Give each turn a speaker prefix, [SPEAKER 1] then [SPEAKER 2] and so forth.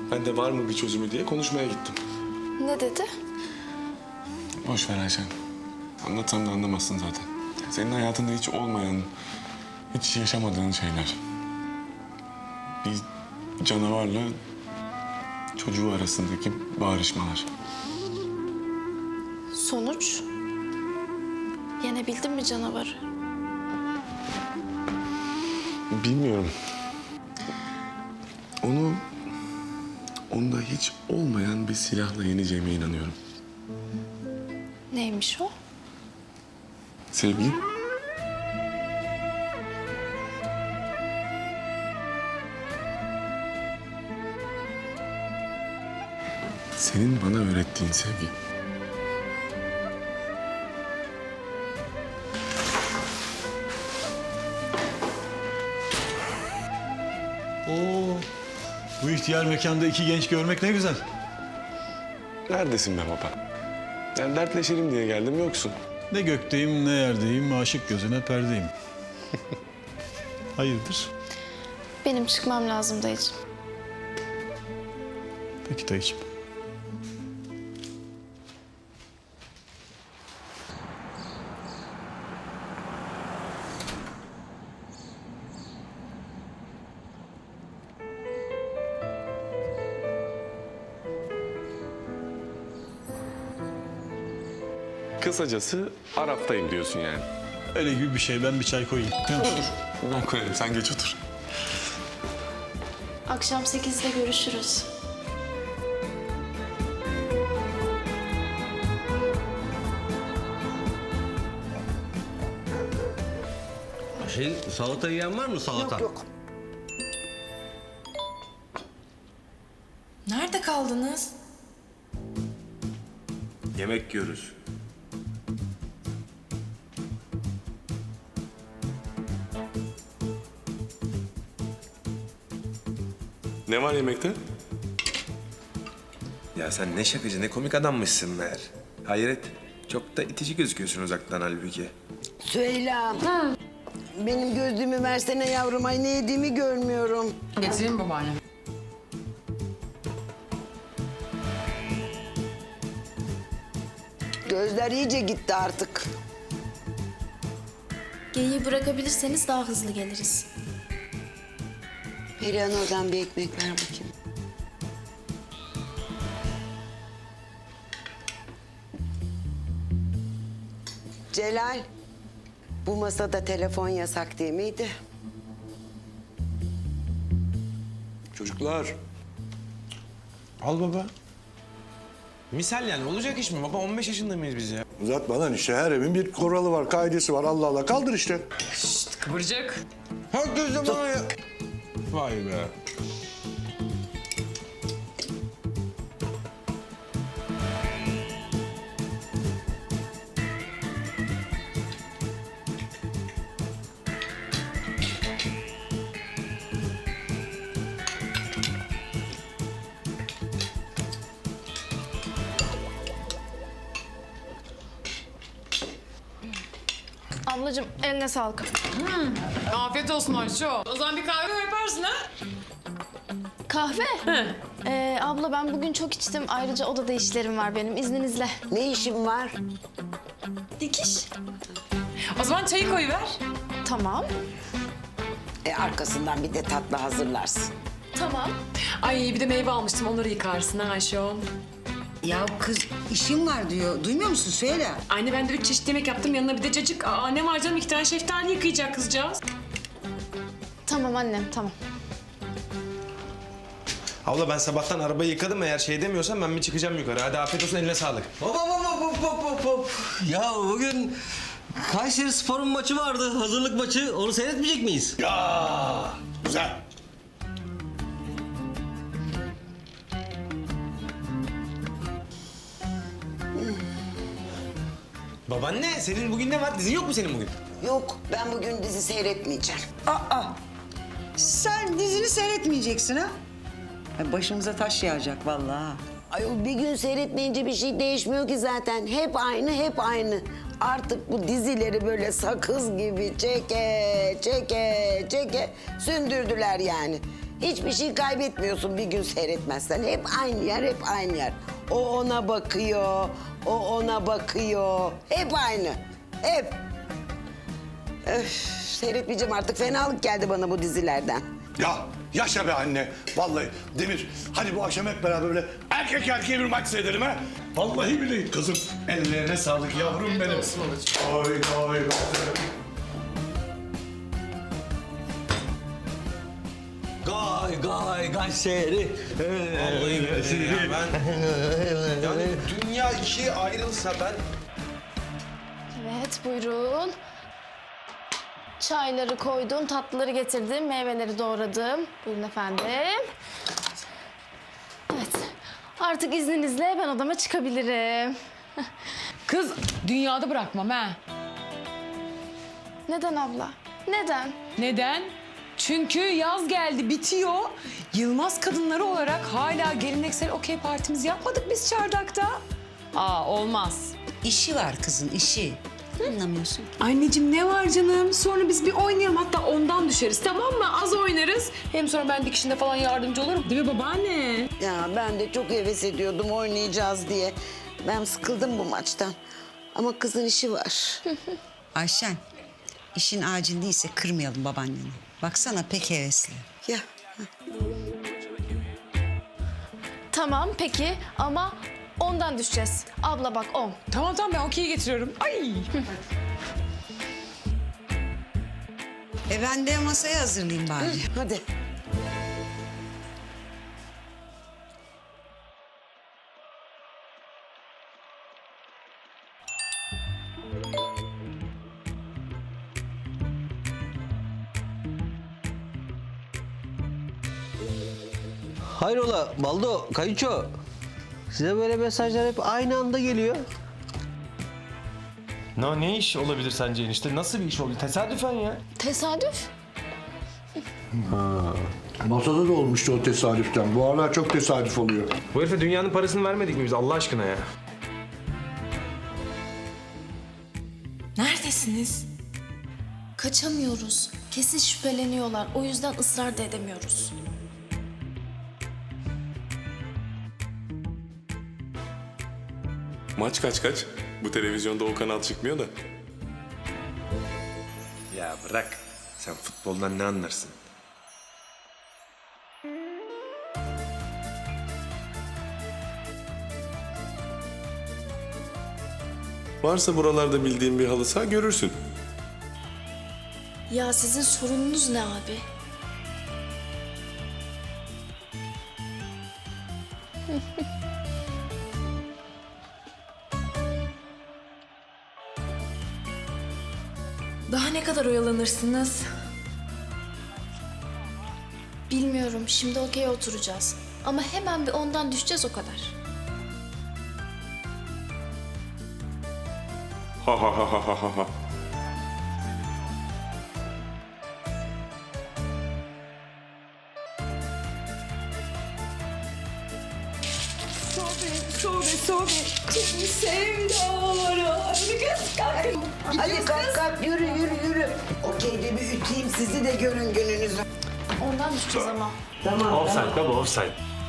[SPEAKER 1] Ben de var mı bir çözümü diye konuşmaya gittim.
[SPEAKER 2] Ne dedi?
[SPEAKER 1] Boş ver Ayşen. Anlatsam da anlamazsın zaten. Senin hayatında hiç olmayan, hiç yaşamadığın şeyler. Bir canavarla çocuğu arasındaki bağrışmalar.
[SPEAKER 2] Sonuç? Yenebildin mi canavarı?
[SPEAKER 1] Bilmiyorum. Onu onda hiç olmayan bir silahla yeneceğime inanıyorum.
[SPEAKER 2] Neymiş o?
[SPEAKER 1] Sevgi. Senin bana öğrettiğin sevgi.
[SPEAKER 3] Oo, bu ihtiyar mekanda iki genç görmek ne güzel.
[SPEAKER 1] Neredesin be baba? Yani dertleşelim diye geldim, yoksun.
[SPEAKER 3] Ne gökteyim ne yerdeyim, aşık gözüne perdeyim. Hayırdır?
[SPEAKER 2] Benim çıkmam lazım dayıcığım.
[SPEAKER 3] Peki dayıcığım.
[SPEAKER 1] Kısacası Arap'tayım diyorsun yani.
[SPEAKER 3] Öyle gibi bir şey. Ben bir çay koyayım.
[SPEAKER 1] Ben koyarım, sen geç otur.
[SPEAKER 2] Akşam 8'de görüşürüz.
[SPEAKER 4] Salata yiyen var mı salata?
[SPEAKER 5] Yok.
[SPEAKER 6] Nerede kaldınız?
[SPEAKER 4] Yemek yiyoruz.
[SPEAKER 1] Ne var yemekte?
[SPEAKER 7] Ya sen ne şakacı, ne komik adammışsın meğer. Hayret, çok da itici gözüküyorsun uzaktan halbuki.
[SPEAKER 5] Süheyla. Benim gözlüğümü versene yavrum. Ay ne yediğimi görmüyorum.
[SPEAKER 6] Getireyim babaanne.
[SPEAKER 5] Gözler iyice gitti artık.
[SPEAKER 2] Geyiği bırakabilirseniz daha hızlı geliriz.
[SPEAKER 5] Perihan oradan bir ekmek ver bakayım. Celal, bu masada telefon yasak değil miydi?
[SPEAKER 7] Çocuklar.
[SPEAKER 1] Al baba.
[SPEAKER 7] Misal yani olacak iş mi? Baba 15 yaşında mıyız biz ya?
[SPEAKER 8] Uzatma lan işte, her evin bir kuralı var, kaidesi var. Allah Allah, kaldır işte.
[SPEAKER 6] Kıvırcık.
[SPEAKER 7] Herkes de bana ya. Vay be.
[SPEAKER 2] Ablacığım eline sağlık.
[SPEAKER 6] Afiyet olsun Ayşe. O zaman bir kahve yaparsın ha?
[SPEAKER 2] Kahve? Abla ben bugün çok içtim. Ayrıca odada işlerim var benim. İzninizle.
[SPEAKER 5] Ne işin var?
[SPEAKER 2] Dikiş.
[SPEAKER 6] O zaman çayı koyuver.
[SPEAKER 2] Tamam.
[SPEAKER 5] Arkasından bir de tatlı hazırlarsın.
[SPEAKER 2] Tamam.
[SPEAKER 6] Ay bir de meyve almıştım onları yıkarsın ha Ayşe.
[SPEAKER 9] Ya kız işim var diyor. Duymuyor musun? Söyle.
[SPEAKER 6] Anne ben de 3 çeşit yemek yaptım yanına bir de cacık. Aa ne var canım 2 tane şeftali yıkayacak kızcağız.
[SPEAKER 2] Tamam annem tamam.
[SPEAKER 7] Abla ben sabahtan arabayı yıkadım, eğer şey demiyorsan ben bir çıkacağım yukarı. Hadi afiyet olsun, eline sağlık.
[SPEAKER 4] Hop hop hop hop hop hop hop. Ya bugün Kayseri Spor'un maçı vardı. Hazırlık maçı. Onu seyretmeyecek miyiz?
[SPEAKER 8] Güzel.
[SPEAKER 7] Babaanne senin bugün ne var? Dizin yok mu senin bugün?
[SPEAKER 5] Yok, ben bugün dizi seyretmeyeceğim.
[SPEAKER 9] Aa, sen dizini seyretmeyeceksin ha? Ay, başımıza taş yağacak vallahi.
[SPEAKER 5] Ay bir gün seyretmeyince bir şey değişmiyor ki zaten. Hep aynı, hep aynı. Artık bu dizileri böyle sakız gibi çeke, çeke, çeke sündürdüler yani. Hiçbir şey kaybetmiyorsun bir gün seyretmezsen. Hep aynı yer, hep aynı yer. O ona bakıyor, o ona bakıyor. Hep aynı, hep. Öf, seyretmeyeceğim artık. Fenalık geldi bana bu dizilerden.
[SPEAKER 8] Ya yaşa be anne. Vallahi Demir hadi bu akşam hep beraber böyle erkek erkeğe bir maç seyredelim ha. Vallahi billahi kızım. Ellerine sağlık yavrum benim. Oy oy.
[SPEAKER 4] Kayseri.
[SPEAKER 7] Vallahi billahi ya ben... Yani dünya ikiye ayrılsa ben...
[SPEAKER 2] Evet buyurun. Çayları koydum, tatlıları getirdim, meyveleri doğradım. Buyurun efendim. Evet. Artık izninizle ben odama çıkabilirim.
[SPEAKER 6] Kız dünyada bırakmam ha.
[SPEAKER 2] Neden abla? Neden?
[SPEAKER 6] Neden? Çünkü yaz geldi, bitiyor. Yılmaz kadınları olarak hala geleneksel okey partimizi yapmadık biz çardakta. Olmaz.
[SPEAKER 9] İşi var kızın, işi. Anlamıyorsun.
[SPEAKER 6] Anneciğim ne var canım? Sonra biz bir oynayalım, hatta ondan düşeriz, tamam mı? Az oynarız. Hem sonra ben dikişinde falan yardımcı olurum. Değil mi babaanne?
[SPEAKER 5] Ya ben de çok heves ediyordum oynayacağız diye. Ben sıkıldım bu maçtan. Ama kızın işi var.
[SPEAKER 9] Ayşen, işin acil değilse kırmayalım babaanneni. Baksana pek hevesli.
[SPEAKER 5] Ya
[SPEAKER 2] Tamam peki ama ondan düşeceğiz. Abla bak 10.
[SPEAKER 6] Tamam ben okeyi getiriyorum. Ay.
[SPEAKER 9] Ben de masayı hazırlayayım bari.
[SPEAKER 5] hadi.
[SPEAKER 4] Hayrola Baldo, Kayınço. Size böyle mesajlar hep aynı anda geliyor.
[SPEAKER 10] Ne iş olabilir sence enişte? Nasıl bir iş oldu? Tesadüfen ya.
[SPEAKER 2] Tesadüf?
[SPEAKER 8] Masada da olmuştu o tesadüften. Bu aralar çok tesadüf oluyor.
[SPEAKER 10] Bu herife dünyanın parasını vermedik mi biz Allah aşkına ya?
[SPEAKER 6] Neredesiniz?
[SPEAKER 2] Kaçamıyoruz. Kesin şüpheleniyorlar. O yüzden ısrar da edemiyoruz.
[SPEAKER 1] Maç kaç? Bu televizyonda o kanal çıkmıyor da.
[SPEAKER 7] Ya bırak. Sen futboldan ne anlarsın?
[SPEAKER 1] Varsa buralarda bildiğin bir halı saha görürsün.
[SPEAKER 2] Ya sizin sorununuz ne abi?
[SPEAKER 6] Daha ne kadar oyalanırsınız?
[SPEAKER 2] Bilmiyorum. Şimdi okey oturacağız. Ama hemen bir ondan düşeceğiz o kadar.
[SPEAKER 1] Ha ha ha ha ha ha.
[SPEAKER 6] Sobe. Şimdi sevdalara. Kız kalk.
[SPEAKER 5] Hadi kalk yürü. Okey bir üteyim sizi de görün gününüzü.
[SPEAKER 2] Ondan düşeceğiz ama.
[SPEAKER 5] Tamam.
[SPEAKER 10] Offside baba offside.